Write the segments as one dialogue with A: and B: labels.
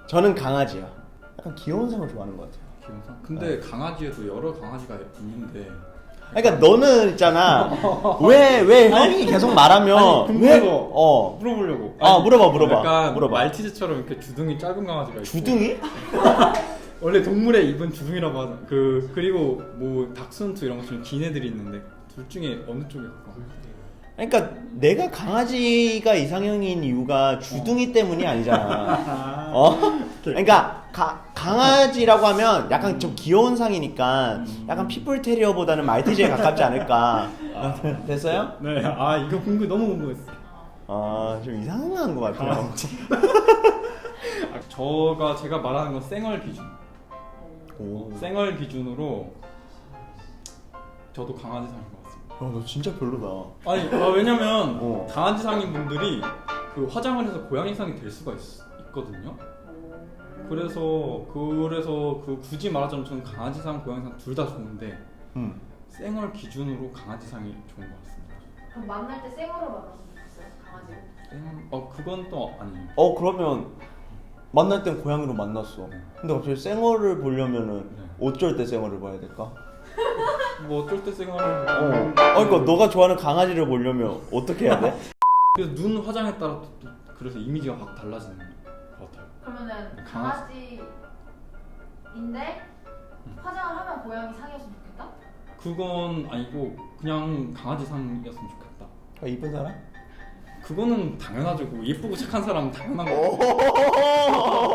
A: 저는 강아지요. 약간 귀여운 상을 좋아하는 것 같아요.
B: 기본상. 근데 강아지에도 여러 강아지가 있는데.
A: 그러니까 너는 있잖아. 왜 형이 계속 말하면
B: 아니, 궁금해서 물어보려고.
A: 물어봐.
B: 약간
A: 물어봐.
B: 말티즈처럼 이렇게 주둥이 짧은 강아지가 있고.
A: 주둥이?
B: 원래 동물의 입은 주둥이라고 하잖아. 그리고 뭐 닥스훈트 이런 것처럼 긴 애들이 있는데 둘 중에 어느 쪽에 가까워?
A: 그러니까 내가 강아지가 이상형인 이유가 주둥이 때문이 아니잖아. 그러니까 강아지라고 하면 약간 좀 귀여운 상이니까 약간 핏불 테리어보다는 말티즈에 가깝지 않을까. 됐어요?
B: 네. 이거 너무 궁금했어.
A: 좀 이상한 것 같아요.
B: 제가 말하는 건 생얼 기준. 생얼 기준으로 저도 강아지 상인 것 같습니다.
A: 너 진짜 별로다.
B: 아니 왜냐면 강아지 상인 분들이 그 화장을 해서 고양이 상이 될 수가 있거든요. 그래서 그 굳이 말하자면 저는 강아지 상, 고양이 상 둘 다 좋은데 생얼 기준으로 강아지 상이 좋은 것 같습니다.
C: 그럼 만날 때 생으로 만났으면 좋겠어요? 강아지로?
B: 그건 또 아니에요.
A: 그러면 만날 땐 고양이로 만났어. 근데 갑자기 쌩얼을 보려면은 어쩔 때 쌩얼을 봐야 될까?
B: 뭐 어쩔 때 생얼을
A: 그러니까 너가 좋아하는 강아지를 보려면 어떻게 해야 돼?
B: 그래서 눈 화장에 따라 또 그래서 이미지가 확 달라지는 것 같아요.
C: 그러면은 강아지인데 화장을 하면 고양이 상이었으면 좋겠다?
B: 그건 아니고 그냥 강아지 상이었으면 좋겠다.
A: 이쁜 사람?
B: 그거는 당연하죠. 예쁘고 착한 사람은 당연한 거.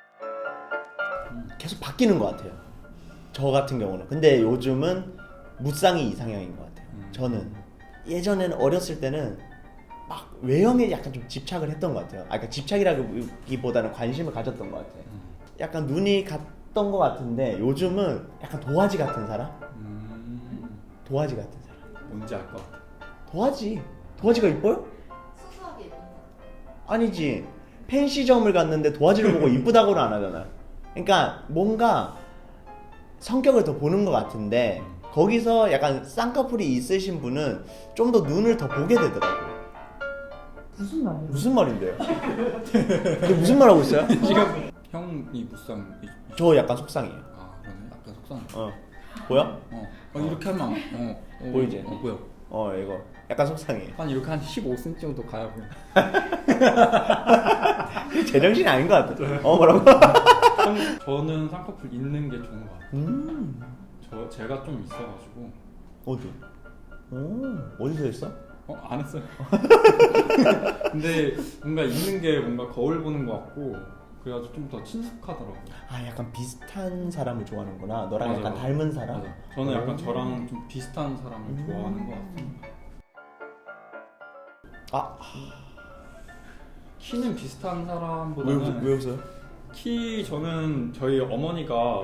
A: 계속 바뀌는 것 같아요. 저 같은 경우는. 근데 요즘은 무쌍이 이상형인 것 같아요. 저는 예전에는 어렸을 때는 막 외형에 약간 좀 집착을 했던 것 같아요. 그러니까 집착이라기보다는 관심을 가졌던 것 같아요. 약간 눈이 갔던 것 같은데 요즘은 약간 도화지 같은 사람? 도화지 같은 사람.
B: 뭔지 알 것 같아.
A: 도화지가 이뻐요?
C: 쑥쑥하게 예쁜 사람.
A: 아니지. 펜시점을 갔는데 도화지를 보고 이쁘다고는 안 하잖아. 그러니까 뭔가 성격을 더 보는 것 같은데 거기서 약간 쌍꺼풀이 있으신 분은 좀 더 눈을 더 보게 되더라고요.
C: 무슨 말이에요?
A: 무슨 말인데요? 근데 무슨 말 하고 있어요?
B: 지금 형이 무쌍.
A: 저 약간 속상해요.
B: 그러네. 약간 속상.
A: 보여?
B: 이렇게 하면
A: 보이지?
B: 보여.
A: 이거 약간 속상해.
B: 한 이렇게 한 15cm 정도 가야 보여.
A: 제정신이 아닌 것 같아. 뭐라고?
B: 저는 쌍꺼풀 있는 게 좋은 것 같아요. 제가 좀 있어가지고.
A: 어디? 어디서 했어?
B: 안 했어요. 근데 뭔가 있는 게 뭔가 거울 보는 것 같고 그래가지고 좀 더 친숙하더라고요.
A: 약간 비슷한 사람을 좋아하는구나. 너랑
B: 맞아,
A: 약간
B: 맞아.
A: 닮은 사람?
B: 맞아. 저는 약간 저랑 좀 비슷한 사람을 좋아하는 것 같습니다. 키는 비슷한 사람보다는
A: 왜 웃어요?
B: 저는 저희 어머니가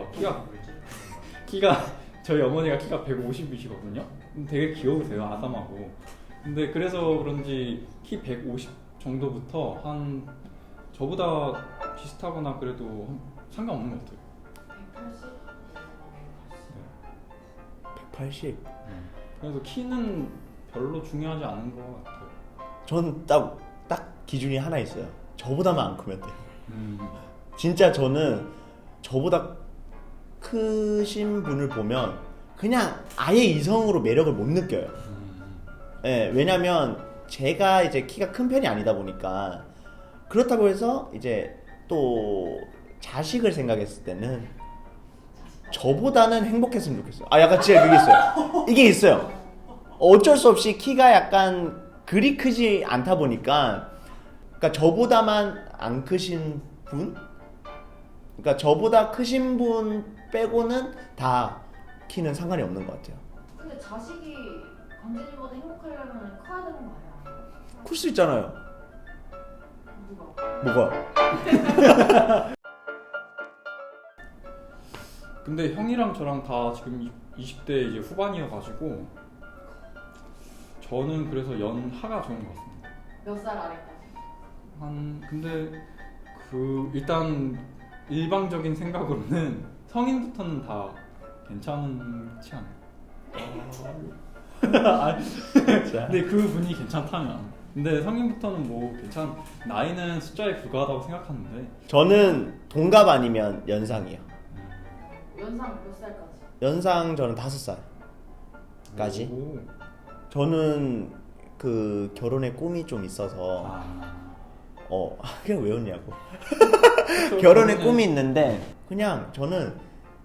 B: 저희 어머니가 키가 150이시거든요. 되게 귀여우세요. 아담하고. 근데 그래서 그런지 키 150 정도부터 한 저보다 비슷하거나 그래도 상관없는 것 같아요.
A: 180?
B: 그래서 키는 별로 중요하지 않은 것 같아요.
A: 저는 딱 기준이 하나 있어요. 저보다만 안 크면 돼요. 진짜 저는 저보다 크신 분을 보면 그냥 아예 이성으로 매력을 못 느껴요. 왜냐면 제가 이제 키가 큰 편이 아니다 보니까 그렇다고 해서 이제 또 자식을 생각했을 때는 저보다는 행복했으면 좋겠어요. 약간 진짜 그게 있어요. 이게 있어요. 어쩔 수 없이 키가 약간 그리 크지 않다 보니까 그러니까 저보다만 안 크신 분? 그러니까 저보다 크신 분 빼고는 다 키는 상관이 없는 것 같아요.
C: 근데 자식이 강진이보다 행복하려면 커야 되는 거 아니야?
A: 클 수 있잖아요.
C: 누가?
A: 뭐가?
B: 근데 형이랑 저랑 다 지금 20대 이제 후반이어가지고 저는 그래서 연하가 좋은 것 같습니다.
C: 몇 살 아래까지?
B: 근데 일단 일방적인 생각으로는 성인부터는 다 괜찮지 않아요? 근데 그 분이 괜찮다면 근데 성인부터는 뭐 괜찮. 나이는 숫자에 불과하다고 생각하는데.
A: 저는 동갑 아니면 연상이요.
C: 연상 몇 살까지?
A: 연상 저는 5살까지.
B: 오.
A: 저는 그 결혼의 꿈이 좀 있어서 그냥 왜 웃냐고. 결혼의 꿈이 있는데 그냥 저는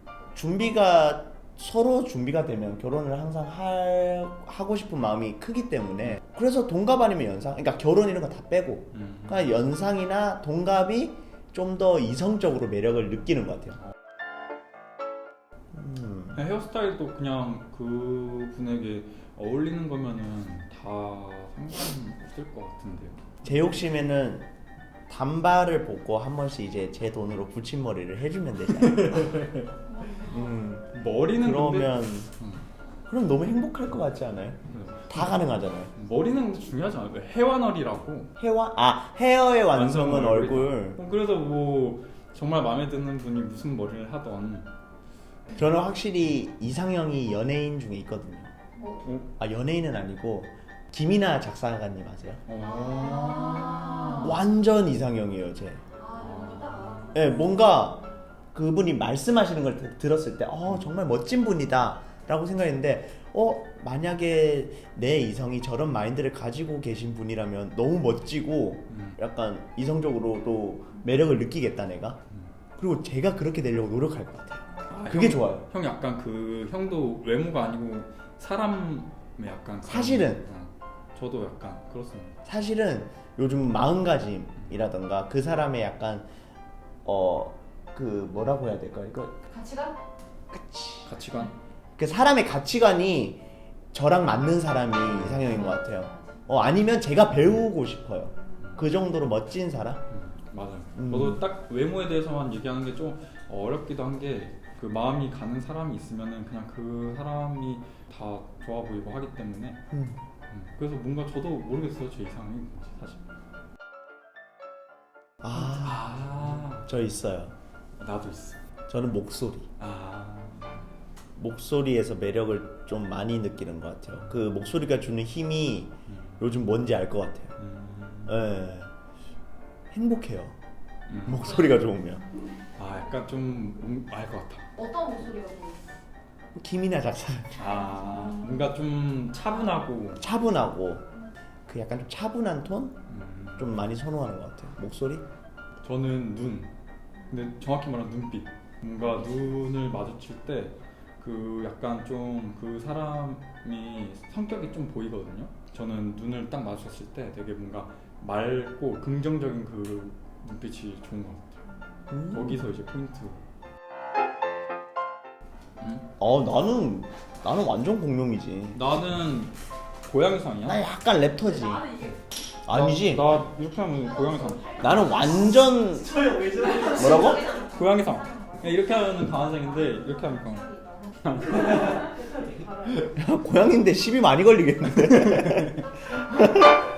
A: 서로 준비가 되면 결혼을 항상 하고 싶은 마음이 크기 때문에 그래서 동갑 아니면 연상, 그러니까 결혼 이런 거 다 빼고 그냥 연상이나 동갑이 좀 더 이성적으로 매력을 느끼는 것 같아요.
B: 헤어스타일도 그냥 그 분에게 어울리는 거면은 다 상관없을 것 같은데요.
A: 제 욕심에는 단발을 뽑고 한 번씩 이제 제 돈으로 붙임머리를 해주면 되잖아요.
B: 머리는
A: 그러면
B: 근데,
A: 그럼 너무 행복할 것 같지 않아요? 다 가능하잖아요.
B: 머리는 근데 중요하지 않아요? 헤어널이라고.
A: 헤어의 완성은 얼굴.
B: 그래서 뭐 정말 마음에 드는 분이 무슨 머리를 하던.
A: 저는 확실히 이상형이 연예인 중에 있거든요.
C: 뭐?
A: 연예인은 아니고 김이나 작사가님 아세요?
C: 아.
A: 완전 이상형이에요, 제.
C: 여기다가.
A: 네, 뭔가 그분이 말씀하시는 걸 들었을 때 정말 멋진 분이다 라고 생각했는데 만약에 내 이성이 저런 마인드를 가지고 계신 분이라면 너무 멋지고 약간 이성적으로도 매력을 느끼겠다 내가. 그리고 제가 그렇게 되려고 노력할 것 같아요. 그게 좋아요.
B: 형 약간 그 형도 외모가 아니고 사람의 약간 그런-
A: 사실은
B: 저도 약간 그렇습니다.
A: 사실은 요즘 마음가짐이라던가 그 사람의 약간 그 뭐라고 해야 될까 이거
C: 가치관?
B: 가치관.
A: 그 사람의 가치관이 저랑 맞는 사람이 이상형인 것 같아요. 아니면 제가 배우고 싶어요. 그 정도로 멋진 사람?
B: 맞아요. 저도 딱 외모에 대해서만 얘기하는 게 좀 어렵기도 한 게 그 마음이 가는 사람이 있으면은 그냥 그 사람이 다 좋아 보이고 하기 때문에 그래서 뭔가 저도 모르겠어요 제 이상이 뭔지 사실.
A: 저 있어요.
B: 나도 있어.
A: 저는 목소리. 목소리에서 매력을 좀 많이 느끼는 것 같아요. 그 목소리가 주는 힘이 요즘 뭔지 알 것 같아요. 예. 행복해요. 목소리가 좋으면.
B: 약간 좀 알 것 같아.
C: 어떤 목소리가 좋으세요?
A: 김이나 작사.
B: 뭔가 좀 차분하고
A: 그 약간 좀 차분한 톤? 좀 많이 선호하는 것 같아요. 목소리?
B: 저는 눈. 근데 정확히 말하면 눈빛. 뭔가 눈을 마주칠 때 그 약간 좀 그 사람이 성격이 좀 보이거든요. 저는 눈을 딱 마주쳤을 때 되게 뭔가 맑고 긍정적인 그 눈빛이 좋은 것 같아요. 거기서 이제 포인트.
A: 나는 완전 공룡이지.
B: 나는 고양이상이야.
A: 나 약간 랩터지.
C: 나는 이게
A: 아니지.
B: 나 이렇게 하면 고양이상.
A: 나는 완전 뭐라고?
B: 고양이상. 이렇게 하면 강아지인데 이렇게 하면 강아지.
A: 고양인데 시비 많이 걸리겠는데.